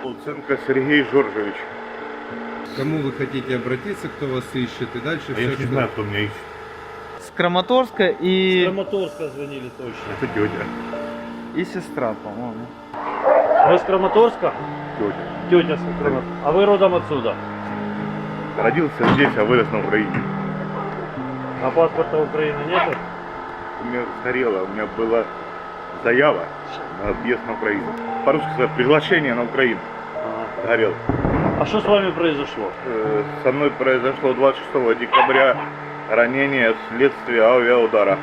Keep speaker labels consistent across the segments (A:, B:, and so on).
A: Луценко Сергей Жоржевич.
B: К кому вы хотите обратиться, кто вас ищет и дальше
A: А я
B: все,
A: не знаю, кто меня ищет.
C: С Краматорска
D: С
C: и...
D: Краматорска звонили точно.
A: Это тетя.
C: и сестра, по-моему.
D: Вы с Краматорска?
A: Тетя.
D: Тетя с Краматорска. А вы родом отсюда?
A: Родился здесь, а вырос на Украине.
D: А паспорта Украины нет?
A: У меня сгорело, у меня была заява на въезд на Украину. По-русски сказать, приглашение на Украину. Сгорел.
D: А что с вами произошло?
A: Со мной произошло 26 декабря ранение вследствие авиаудара.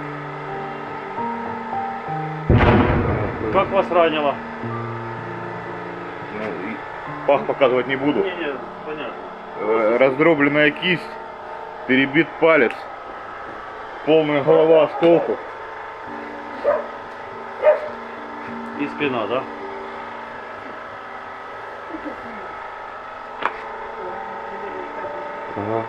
D: Как вас ранило?
A: Ну, и пах показывать не буду.
D: Не, понятно.
A: Раздробленная кисть, перебит палец, полная голова осколков.
D: И спина, да?
A: Ага.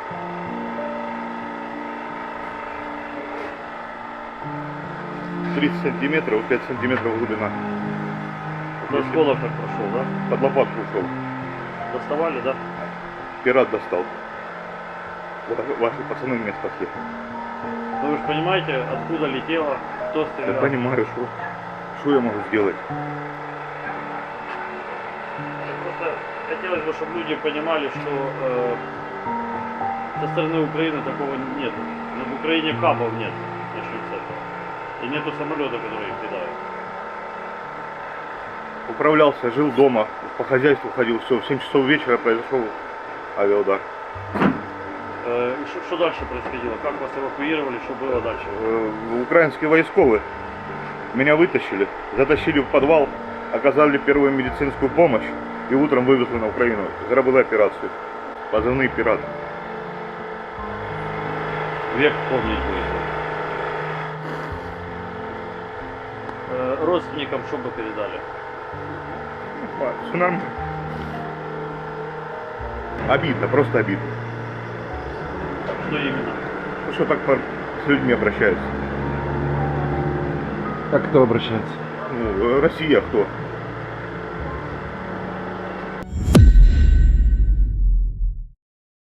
A: — 30 сантиметров, 5 сантиметров глубина.
D: Это осколок так прошел, да?
A: Под лопатку ушел.
D: Доставали, да?
A: Пират достал. Ваши пацаны меня спасли.
D: Ну вы же понимаете, откуда летело, кто
A: Я
D: стрелял?
A: понимаю, что я могу сделать.
D: Просто хотелось бы, чтобы люди понимали, что со стороны Украины такого нет. Но в Украине капов нет, начнем с этого. И нету самолета, который их кидает.
A: Управлялся, жил дома, по хозяйству ходил, все. В 7 часов вечера произошел авиаудар.
D: Что дальше происходило? Как вас эвакуировали? Что было дальше?
A: Украинские войсковые меня вытащили, затащили в подвал, оказали первую медицинскую помощь и утром вывезли на Украину. Сделали операцию. Позывные «Пират».
D: Век помнить будет. Родственникам что бы передали?
A: Все нормально. Обидно, просто обидно.
D: Что именно?
A: Ну что так с людьми обращаются?
B: Как кто обращается?
A: Ну, Россия кто?